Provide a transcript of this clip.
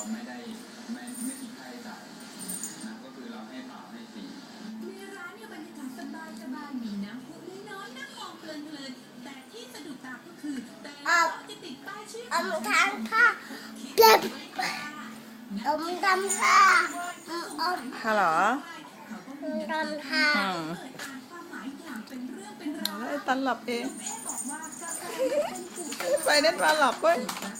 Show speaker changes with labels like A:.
A: ไม่คิดค่าใช้จ่ายนะก็คือเราให้เปล่าให้ฟรี
B: ในร้านเนี่ยบรรยากาศสบายๆมีน้ำพุน้อยๆนั่งมองเพลินๆแต่ที่สะดุดตาก็คือแต่ละโต๊ะจะติดป้ายชื่อของ
C: ทานค่ะเก็บดำค่ะ
D: ฮัลโหล
C: ดำค่ะ
D: ไอ้ตันหลับเอง ไปเน็ตมาหลับเว้ย